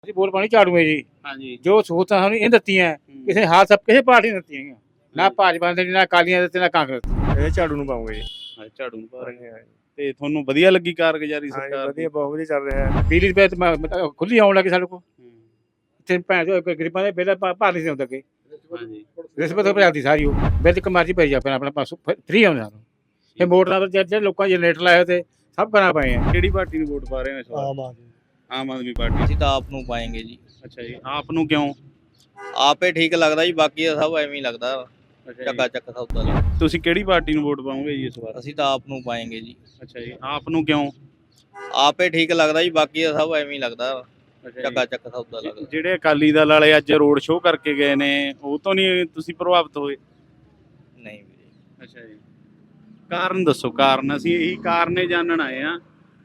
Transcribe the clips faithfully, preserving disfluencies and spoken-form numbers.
ਅਸੀਂ ਵੋਟ ਪਾਣੀ ਝਾੜੂ ਹੈ ਜੀ। ਹਾਂਜੀ ਜੋ ਸਹੂਲਤਾਂ ਸਾਨੂੰ ਇਹ ਦਿੱਤੀਆਂ ਕਿਸੇ ਹਾਲ ਸਭ ਕਿਸੇ ਪਾਰਟੀ ਨੇ ਦਿੱਤੀਆਂ ਹੈਗੀਆਂ। ਨਾ ਭਾਜਪਾ ਦੇ ਨਾ ਅਕਾਲੀਆਂ ਦੇ ਨਾ ਕਾਂਗਰਸ ਦੇ। ਇਹ ਝਾੜੂ ਨੂੰ ਪਾਉਂਗੇ ਜੀ। ਹਾਂ, ਝਾੜੂ ਨੂੰ ਪਾ ਰਹੇ ਹਾਂਜੀ ਹਾਂਜੀ ਤੇ ਤੁਹਾਨੂੰ ਵਧੀਆ ਲੱਗੀ ਕਾਰਗੁਜ਼ਾਰੀ ਹਾਂਜੀ, ਸਰਕਾਰ ਦੀ? ਵਧੀਆ ਬਹੁਤ ਵਧੀਆ ਚੱਲ ਰਿਹਾ ਹੈ। ਬਿਜਲੀ ਦੇ ਬਿੱਲ ਖੁੱਲੀ ਆਉਣ ਲੱਗੀ ਸਾਡੇ ਕੋਲ। ਹੂੰ, ਇੱਥੇ ਭੈਣ ਚੋ ਗਰੀਬਾਂ ਦੇ ਬਿੱਲ ਭਾ- ਭਾਰ ਨਹੀਂ ਸੀ ਆਉਂਦਾ ਅੱਗੇ। ਹਾਂਜੀ ਰਿਸ਼ਵਤ ਭਰਾਤੀ ਸਾਰੀ ਉਹ ਬਿੱਲ ਇੱਕ ਮਰਜ਼ੀ ਪਈ ਜਾ ਆਪਣਾ ਆਪਣਾ ਪਾਸੋਂ ਫ੍ਰੀ ਆਉਂਦਾ ਸਾਨੂੰ। ਇਹ ਮੋਟਰਾਂ ਪਰ ਜਿਹੜੇ ਲੋਕਾਂ ਜਨਰੇਟਰ ਲਾਏ ਹੋਏ ਤੇ ਸਭ ਕਰਾ ਪਏ ਆ। ਕਿਹੜੀ ਪਾਰਟੀ ਨੂੰ ਵੋਟ ਪਾ ਰਹੇ ਹੋ ਇਸ ਵਾਰ? ਆਮ ਆਦਮੀ ਆਮ ਆਦਮੀ ਪਾਰਟੀ। ਅਸੀਂ ਤਾਂ ਆਪ ਨੂੰ ਪਾਏਂਗੇ ਜੀ। ਅੱਛਾ ਜੀ, ਆਪ ਨੂੰ ਕਿਉਂ? ਆਪੇ ਠੀਕ ਲੱਗਦਾ ਜੀ, ਬਾਕੀ ਦਾ ਸਭ ਐਵੇਂ ਹੀ ਲੱਗਦਾ ਅੱਛਾ ਚੱਕਾ ਜੀ, ਚੱਕ ਸੌਦਾ ਲੱਗਦਾ। ਤੁਸੀਂ ਕਿਹੜੀ ਪਾਰਟੀ ਨੂੰ ਵੋਟ ਪਾਓਗੇ ਜੀ ਇਸ ਵਾਰ? ਅਸੀਂ ਤਾਂ ਆਪ ਨੂੰ ਪਾਏਂਗੇ ਜੀ। ਅੱਛਾ ਜੀ, ਆਪ ਨੂੰ ਕਿਉਂ? ਆਪੇ ਠੀਕ ਲੱਗਦਾ ਜੀ, ਬਾਕੀ ਦਾ ਸਭ ਐਵੇਂ ਹੀ ਲੱਗਦਾ ਅੱਛਾ ਚੱਕਾ ਜੀ, ਚੱਕ ਸੌਦਾ ਲੱਗਦਾ। ਜਿਹੜੇ ਅਕਾਲੀ ਦਲ ਵਾਲੇ ਅੱਜ ਰੋਡ ਸ਼ੋਅ ਕਰਕੇ ਗਏ ਨੇ ਉਹ ਤੋਂ ਨਹੀਂ ਤੁਸੀਂ ਪ੍ਰਭਾਵਿਤ ਹੋਏ? ਨਹੀਂ ਵੀਰੇ, ਅੱਛਾ ਜੀ, ਕਾਰਨ ਦੱਸੋ। ਕਾਰਨ ਅਸੀਂ ਇਹੀ ਕਾਰਨੇ ਜਾਣਨ ਆਏ ਆ।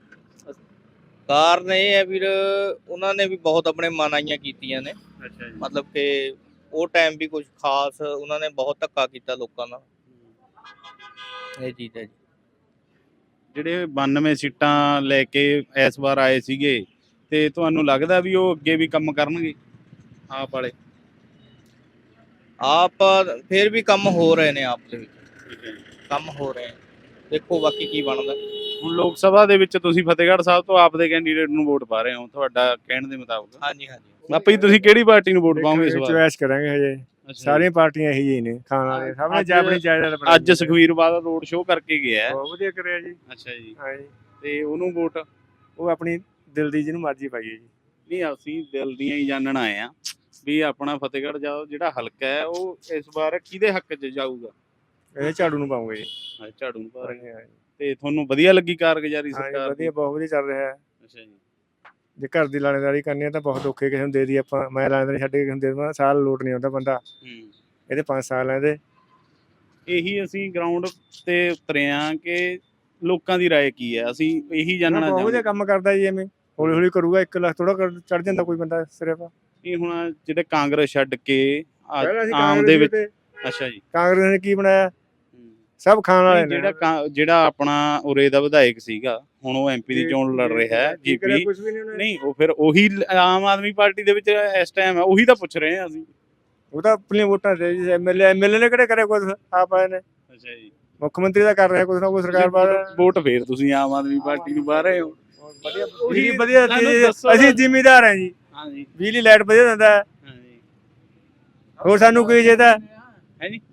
ਕਾਰਨ ਇਹ ਹੈ ਵੀਰ, ਉਹਨਾਂ ਨੇ ਵੀ ਬਹੁਤ ਆਪਣੇ ਮਨਾਈਆਂ ਕੀਤੀਆਂ ਨੇ। ਅੱਛਾ ਜੀ, ਮਤਲਬ ਕਿ ਉਹ ਟਾਈਮ ਵੀ ਕੁਝ ਖਾਸ ਉਹਨਾਂ ਨੇ ਬਹੁਤ ਧੱਕਾ ਕੀਤਾ ਲੋਕਾਂ ਨਾਲ, ਇਹ ਚੀਜ਼ ਹੈ ਜੀ। ਜਿਹੜੇ ਬਾਨਵੇਂ ਸੀਟਾਂ ਲੈ ਕੇ ਇਸ ਵਾਰ ਆਏ ਸੀਗੇ ਤੇ ਤੁਹਾਨੂੰ ਲੱਗਦਾ ਵੀ ਉਹ ਅੱਗੇ ਵੀ ਕੰਮ ਕਰਨਗੇ ਆਪ ਵਾਲੇ? ਆਪ ਫਿਰ ਵੀ ਕੰਮ ਹੋ ਰਹੇ ਨੇ, ਆਪ ਦੇ ਵਿੱਚ ਠੀਕ ਹੈ ਜੀ। ਕੰਮ ਹੋ ਰਹੇ ਨੇ, ਦੇਖੋ ਬਾਕੀ ਕੀ ਬਣਦਾ। ਹੁਣ ਲੋਕ ਸਭਾ ਦੇ ਵਿੱਚ ਤੁਸੀਂ ਫਤਿਹਗੜ੍ਹ ਸਾਹਿਬ ਤੋਂ ਆਪ ਦੇ ਕੈਂਡੀਡੇਟ ਨੂੰ ਵੋਟ ਪਾ ਰਹੇ ਹੋ ਤੁਹਾਡਾ ਕਹਿਣ ਦੇ ਮੁਤਾਬਕ। ਹਾਂਜੀ ਹਾਂਜੀ, ਆਪੇ ਹੀ ਤੁਸੀਂ ਕਿਹੜੀ ਪਾਰਟੀ ਨੂੰ ਵੋਟ ਪਾਓਗੇ ਇਸ ਵਾਰ? ਚੁਆਇਸ ਕਰਾਂਗੇ ਹਜੇ। ਅੱਛਾ ਜੀ। ਸਾਰੀਆਂ ਪਾਰਟੀਆਂ ਇਹੀ ਹੀ ਨੇ, ਖਾਣ ਵਾਲੇ ਸਭ ਨੇ ਅੱਜ- ਆਪਣੀ ਜਾਇਦਾਦ ਬਣਾਈ ਅੱਜ ਸੁਖਵੀਰ ਬਾਦਲ ਰੋਡ ਸ਼ੋਅ ਕਰਕੇ ਗਿਆ ਹੈ। ਬਹੁਤ ਵਧੀਆ ਕਰਿਆ ਜੀ। ਅੱਛਾ ਜੀ, ਹਾਂਜੀ, ਤੇ ਉਹਨੂੰ ਵੋਟ? ਉਹ ਆਪਣੀ ਦਿਲ ਦੀ ਜਿਹਨੂੰ ਮਰਜ਼ੀ ਪਾਈਏ ਜੀ। ਨਹੀਂ, ਅਸੀਂ ਦਿਲ ਦੀਆਂ ਹੀ ਜਾਣਨ ਆਏ ਆ ਵੀ ਆਪਣਾ ਫਤਿਹਗੜ੍ਹ ਜਾ ਜਿਹੜਾ ਹਲਕਾ ਹੈ ਉਹ ਇਸ ਵਾਰ ਕਿਹਦੇ ਹੱਕ 'ਚ ਜਾਊਗਾ? ਇਹ ਝਾੜੂ ਨੂੰ ਪਾਉਂਗੇ ਜੀ। ਹਾਂ, ਝਾੜੂ ਨੂੰ ਪਾ ਰਹੇ ਹਾਂਜੀ ਹਾਂਜੀ ਤੇ ਤੁਹਾਨੂੰ ਵਧੀਆ ਲੱਗੀ ਕਾਰਗੁਜ਼ਾਰੀ ਹਾਂਜੀ, ਸਰਕਾਰ ਦੀ? ਵਧੀਆ ਬਹੁਤ ਵਧੀਆ ਚੱਲ ਰਿਹਾ ਹੈ। ਅੱਛਾ ਜੀ, ਜੇ ਘਰ ਦੀ ਲਾਣੇਦਾਰੀ ਕਰਨੀ ਹੈ ਤਾਂ ਬਹੁਤ ਔਖੇ, ਕਿਸੇ ਨੂੰ ਦੇ ਦੀ ਆਪਾਂ। ਮੈਂ ਲਾਣੇਦਾਰੀ ਛੱਡ ਕੇ ਕਿਸੇ ਨੂੰ ਦੇ ਦੇਵਾਂ, ਸਾਲ ਲੋਟ ਨਹੀਂ ਆਉਂਦਾ ਬੰਦਾ। ਹੂੰ, ਇਹਦੇ ਪੰਜ ਸਾਲ ਆ ਇਹਦੇ। ਇਹੀ ਅਸੀਂ ਗਰਾਊਂਡ ਤੇ ਉਤਰੇ ਆ ਕਿ ਲੋਕਾਂ ਦੀ ਰਾਏ ਕੀ ਹੈ, ਅਸੀਂ ਇਹੀ ਜਾਣਨਾ ਬਹੁਤ ਵਧੀਆ ਚਾਹੁੰਦੇ। ਕੰਮ ਕਰਦਾ ਜੀ। ਐਵੇਂ ਹੌਲੀ ਹੌਲੀ ਕਰੂਗਾ, ਇੱਕ ਲੱਖ ਥੋੜਾ ਚੜ ਜਾਂਦਾ ਕੋਈ ਬੰਦਾ ਸਿਰਫ। ਇਹ ਹੁਣ ਜਿਹੜੇ ਕਾਂਗਰਸ ਛੱਡ ਕੇ ਆ- ਪਹਿਲਾਂ ਅਸੀਂ ਆਮ ਕਾਂਗਰਸ ਦੇ ਵਿੱਚ। ਤੇ ਅੱਛਾ ਜੀ, ਕਾਂਗਰਸ ਨੇ ਕੀ ਬਣਾਇਆ? ਹੂੰ। ਸਭ ਖਾਣ ਵਾਲੇ ਨਹੀਂ, ਨੇ। ਜਿਹੜਾ ਕਾਂ- ਜਿਹੜਾ ਆਪਣਾ ਉਰੇ ਦਾ ਵਿਧਾਇਕ ਸੀਗਾ ਹੁਣ ਉਹ ਐਮਪੀ ਦੀ ਚੋਣ ਲੜ ਰਿਹਾ ਹੈ ਕੀ ਕਰਿਆ? ਜੀਪੀ। ਕੁਛ ਵੀ ਨਹੀਂ ਉਹਨੇ। ਨਹੀਂ, ਉਹ ਫਿਰ ਉਹੀ ਲ- ਆਮ ਆਦਮੀ ਪਾਰਟੀ ਦੇ ਵਿੱਚ ਇਸ ਟਾਈਮ ਹੈ, ਉਹੀ ਤਾਂ ਪੁੱਛ ਰਹੇ ਹਾਂ ਅਸੀਂ। ਉਹ ਤਾਂ ਆਪਣੀਆਂ ਵੋਟਾਂ ਦੇ ਜੀ। ਐਮਐਲਏ ਐਮਐਲਏ ਨੇ ਕਿਹੜੇ ਕਰਿਆ ਕੁਛ? ਆਪ ਆਏ ਨੇ। ਅੱਛਾ ਜੀ, ਮੁੱਖ ਮੰਤਰੀ ਦਾ ਕਰ ਰਿਹਾ ਕੁਛ ਨਾ ਕੁਛ ਸਰਕਾਰ ਬਾਹਰ। ਵੋਟ ਫੇਰ ਤੁਸੀਂ ਆਮ ਆਦਮੀ ਪਾਰਟੀ ਨੂੰ ਪਾ ਰਹੇ ਹੋ? ਵਧੀਆ ਉਹੀ ਬਿਜਲੀ ਵਧੀਆ ਸਾਨੂੰ ਦਿੱਤੀ। ਦੱਸੋ ਅਸੀਂ ਨਾ। ਜ਼ਿਮੀਦਾਰ ਹਾਂ ਜੀ। ਹਾਂਜੀ ਬਿਜਲੀ ਲਾਈਟ ਵਧੀਆ ਦਿੰਦਾ ਹੈ। ਹਾਂਜੀ, ਹੋਰ ਸਾਨੂੰ ਕੀ ਚਾਹੀਦਾ? ਹੈ ਜੀ,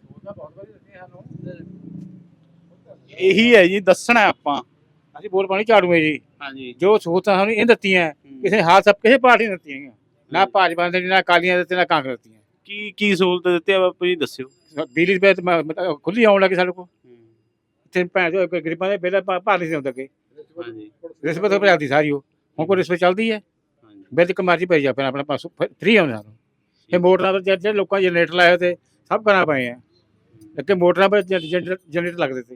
ਇਹੀ ਹੈ ਜੀ, ਦੱਸਣਾ ਆਪਾਂ। ਅਸੀਂ ਵੋਟ ਪਾਣੀ ਝਾੜੂ ਹੈ ਜੀ। ਹਾਂਜੀ, ਜੋ ਸਹੂਲਤਾਂ ਸਾਨੂੰ ਇਹ ਦਿੱਤੀਆਂ ਕਿਸੇ ਹਾਲ ਸਭ ਕਿਸੇ ਪਾਰਟੀ ਨੇ ਦਿੱਤੀਆਂ ਹੈਗੀਆਂ। ਨਾ ਭਾਜਪਾ ਦੇ ਨਾ ਅਕਾਲੀਆਂ ਦੇ ਨਾ ਕਾਂਗਰਸ ਦੀਆਂ। ਕੀ ਕੀ ਸਹੂਲਤ ਦਿੱਤੀ ਆ ਬਾਪੂ ਜੀ, ਦੱਸਿਓ। ਬਿਜਲੀ ਦੇ ਬਿੱਲ ਖੁੱਲੀ ਆਉਣ ਲੱਗੀ ਸਾਡੇ ਕੋਲ। ਇੱਥੇ ਭੈਣ ਚੋ ਗਰੀਬਾਂ ਦੇ ਬਿੱਲ ਭਾ- ਭਾਰ ਨਹੀਂ ਸੀ ਆਉਂਦਾ ਅੱਗੇ। ਹਾਂਜੀ ਰਿਸ਼ਵਤ ਭਰਾਤੀ ਸਾਰੀ ਉਹ ਹੁਣ ਕੋਈ ਰਿਸ਼ਵਤ ਚੱਲਦੀ ਹੈ। ਹਾਂਜੀ, ਬਿੱਲ ਇੱਕ ਮਰਜ਼ੀ ਪਈ ਜਾ ਆਪਣਾ ਆਪਣਾ ਪਾਸੋਂ ਫ੍ਰੀ ਆਉਂਦਾ ਸਾਨੂੰ। ਇਹ ਮੋਟਰਾਂ ਪਰ ਜਿਹੜੇ ਲੋਕਾਂ ਜਨਰੇਟਰ ਲਾਏ ਹੋਏ ਤੇ ਸਭ ਕਰਾ ਪਏ ਆ। ਅੱਗੇ ਮੋਟਰਾਂ ਪਰ ਜਨਰੇਟਰ ਲੱਗਦੇ ਤੇ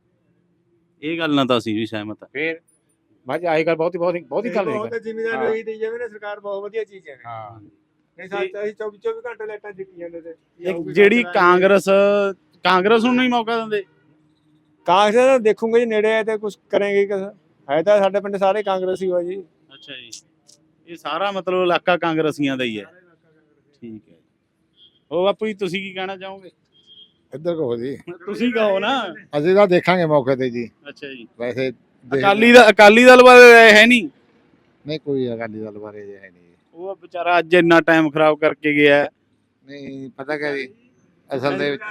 ਇਹ ਗੱਲ ਨਾਲ ਤਾਂ ਅਸੀਂ ਵੀ ਸਹਿਮਤ ਹਾਂ। ਫੇਰ ਬਾਅਦ ਆਈ ਗੱਲ ਬਹੁਤ ਹੀ ਬਹੁਤ ਹੀ ਬਹੁਤ ਹੀ ਗੱਲ ਹੈ। ਬਹੁਤ ਜ਼ਿਮੀਦਾਰ ਨੂੰ ਇਹੀ ਦੇਈ ਜਾਵੇ ਨਾ ਸਰਕਾਰ, ਬਹੁਤ ਵਧੀਆ ਚੀਜ਼ ਹੈ। ਹਾਂ, ਨਹੀਂ ਸੱਚ, ਅਸੀਂ ਚੌਵੀ ਚੌਵੀ ਘੰਟੇ ਲਾਈਟਾਂ ਦਿੱਤੀ ਜਾਂਦੇ ਤੇ। ਇੱਕ ਜਿਹੜੀ ਕਾਂਗਰਸ ਕਾਂਗਰਸ ਨੂੰ ਨਹੀਂ ਮੌਕਾ ਦਿੰਦੇ? ਕਾਂਗਰਸ ਦਾ ਦੇਖੂਗੇ ਜੀ, ਨੇੜੇ ਹੈ ਤੇ ਕੁਝ ਕਰੇਂਗੇ। ਹੈ ਤਾਂ ਸਾਡੇ ਪਿੰਡ ਸਾਰੇ ਕਾਂਗਰਸੀ ਹੋ ਜੀ। ਅੱਛਾ ਜੀ, ਇਹ ਸਾਰਾ ਮਤਲਬ ਇਲਾਕਾ ਕਾਂਗਰਸੀਆਂ ਦਾ ਹੀ ਹੈ। ਠੀਕ ਹੈ, ਉਹ ਬਾਪੂ ਜੀ ਤੁਸੀਂ ਕੀ ਕਹਿਣਾ ਚਾਹੋਗੇ? ਇੱਧਰ ਕਹੋ ਜੀ। ਤੁਸੀਂ ਕਹੋ ਨਾ। ਅਸੀਂ ਤਾਂ ਦੇਖਾਂਗੇ ਮੌਕੇ ਤੇ ਜੀ। ਅੱਛਾ ਜੀ, ਵੈਸੇ ਦੇਖ- ਅਕਾਲੀ ਦਾ ਅਕਾਲੀ ਦਲ ਬਾਰੇ ਰਾਏ ਹੈ ਨਹੀਂ? ਨਹੀਂ, ਕੋਈ ਅਕਾਲੀ ਦਲ ਬਾਰੇ ਜੇ ਹੈ ਨਹੀਂ। ਉਹ ਵਿਚਾਰਾ ਅੱਜ ਇੰਨਾ ਟਾਈਮ ਖਰਾਬ ਕਰਕੇ ਗਿਆ ਹੈ। ਨਹੀਂ ਪਤਾ ਕਿਆ ਜੀ, ਅਸਲ ਦੇ ਵਿੱਚ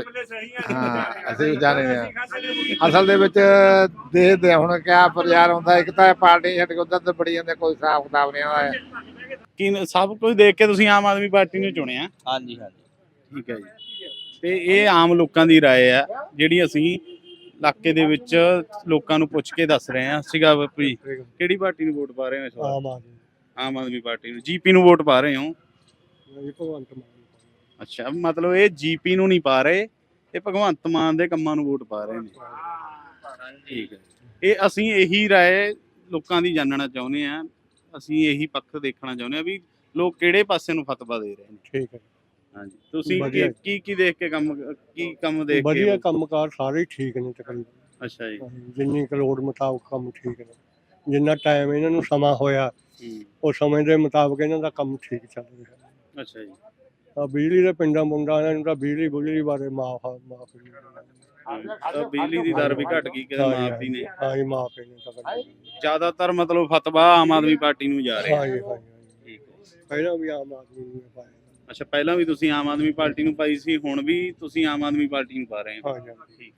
ਹਾਂ ਅਸੀਂ ਵੀ ਜਾਣੇ ਹਾਂ। ਅਸਲ ਦੇ ਵਿੱਚ ਦੇਖਦੇ ਹਾਂ ਹੁਣ ਕਿਆ ਪ੍ਰਚਾਰ ਹੁੰਦਾ। ਇੱਕ ਤਾਂ ਪਾਰਟੀ ਛੱਡ ਕੇ ਉਧਰ ਤੇ ਬੜੀ ਜਾਂਦੇ, ਕੋਈ ਹਿਸਾਬ ਕਿਤਾਬ ਨਹੀਂ ਆਉਂਦਾ ਹੈ। ਕੀ ਸਭ ਕੁਝ ਦੇਖ ਕੇ ਤੁਸੀਂ ਆਮ ਆਦਮੀ ਪਾਰਟੀ ਨੂੰ ਚੁਣਿਆ? ਹਾਂਜੀ ਹਾਂਜੀ, ਠੀਕ ਹੈ ਜੀ, ਤੇ ਇਹ ਆਮ ਲੋਕਾਂ ਦੀ ਰਾਏ ਹੈ ਜਿਹੜੀ ਅਸੀਂ ਇਲਾਕੇ ਦੇ ਵਿੱਚ ਲੋਕਾਂ ਨੂੰ ਪੁੱਛ ਕੇ ਦੱਸ ਰਹੇ ਹਾਂ। ਸੀਗਾ ਬਾਪੂ ਜੀ, ਕਿਹੜੀ ਪਾਰਟੀ ਨੂੰ ਵੋਟ ਪਾ ਰਹੇ ਹੋ ਇਸ ਵਾਰ? ਆਮ ਆਦਮੀ ਆਮ ਆਦਮੀ ਪਾਰਟੀ ਨੂੰ। ਜੀਪੀ ਨੂੰ ਵੋਟ ਪਾ ਰਹੇ ਹੋ? ਜੀ, ਭਗਵੰਤ ਮਾਨ। ਅੱਛਾ, ਮਤਲਬ ਇਹ ਜੀਪੀ ਨੂੰ ਨਹੀਂ ਪਾ ਰਹੇ, ਇਹ ਭਗਵੰਤ ਮਾਨ ਦੇ ਕੰਮਾਂ ਨੂੰ ਵੋਟ ਪਾ ਰਹੇ ਨੇ। ਠੀਕ ਹੈ, ਇਹ ਅਸੀਂ ਇਹੀ ਰਾਏ ਲੋਕਾਂ ਦੀ ਜਾਣਨਾ ਚਾਹੁੰਦੇ ਹਾਂ। ਅਸੀਂ ਇਹੀ ਪੱਖ ਦੇਖਣਾ ਚਾਹੁੰਦੇ ਹਾਂ ਵੀ ਲੋਕ ਕਿਹੜੇ ਪਾਸੇ ਨੂੰ ਫਤਵਾ ਦੇ ਰਹੇ ਨੇ। ਠੀਕ ਹੈ, ਹਾਂਜੀ, ਤੁਸੀਂ ਵਧੀਆ। ਕੀ ਕੀ ਕੀ ਦੇਖ ਕੇ ਕੰਮ ਕੀ ਕੰਮ ਦੇਖ ਕੇ? ਵਧੀਆ ਕੰਮਕਾਰ ਸਾਰੇ ਹੀ ਠੀਕ ਨੇ ਤਕਰੀਬਨ। ਅੱਛਾ ਜੀ, ਜਿੰਨੀ ਕੁ ਲੋੜ ਮੁਤਾਬਕ ਕੰਮ ਠੀਕ ਨੇ। ਜਿੰਨਾ ਟਾਈਮ ਇਹਨਾਂ ਨੂੰ ਸਮਾਂ ਹੋਇਆ ਹੂੰ ਉਹ ਸਮੇਂ ਦੇ ਮੁਤਾਬਕ ਇਹਨਾਂ ਦਾ ਕੰਮ ਠੀਕ ਚੱਲ ਰਿਹਾ। ਅੱਛਾ ਜੀ ਆ ਬਿਜਲੀ ਦੇ ਪਿੰਡਾਂ ਮੁੰਡਾਂ ਇਹਨਾਂ ਨੂੰ ਤਾਂ ਬਿਜਲੀ ਬੁਜਲੀ ਬਾਰੇ ਮਾਫ ਮਾਫ ਤਾਂ ਬਿਜਲੀ ਦੀ ਦਰ ਵੀ ਘਟ ਗਈ ਕਿਤੇ ਮਾਫੀ ਨੇ ਹਾਂ ਜੀ ਮਾਫ ਨੇ ਤਾਂ ਕਰ ਜ਼ਿਆਦਾਤਰ ਮਤਲਬ ਫਤਵਾ ਆਮ ਆਦਮੀ ਪਾਰਟੀ ਨੂੰ ਜਾ ਰਿਹਾ ਹਾਂ ਜੀ ਹਾਂ ਜੀ ਠੀਕ ਹੈ ਪਹਿਲਾਂ ਵੀ ਆਮ ਆਦਮੀ ਨੂੰ ਪਾਇਆ ਅੱਛਾ ਪਹਿਲਾਂ ਵੀ ਤੁਸੀਂ ਆਮ ਆਦਮੀ ਪਾਰਟੀ ਨੂੰ ਪਾਈ ਸੀ ਹੁਣ ਵੀ ਤੁਸੀਂ ਆਮ ਆਦਮੀ ਪਾਰਟੀ ਨੂੰ ਪਾ ਰਹੇ ਹੋ ਹਾਂ ਜੀ ਠੀਕ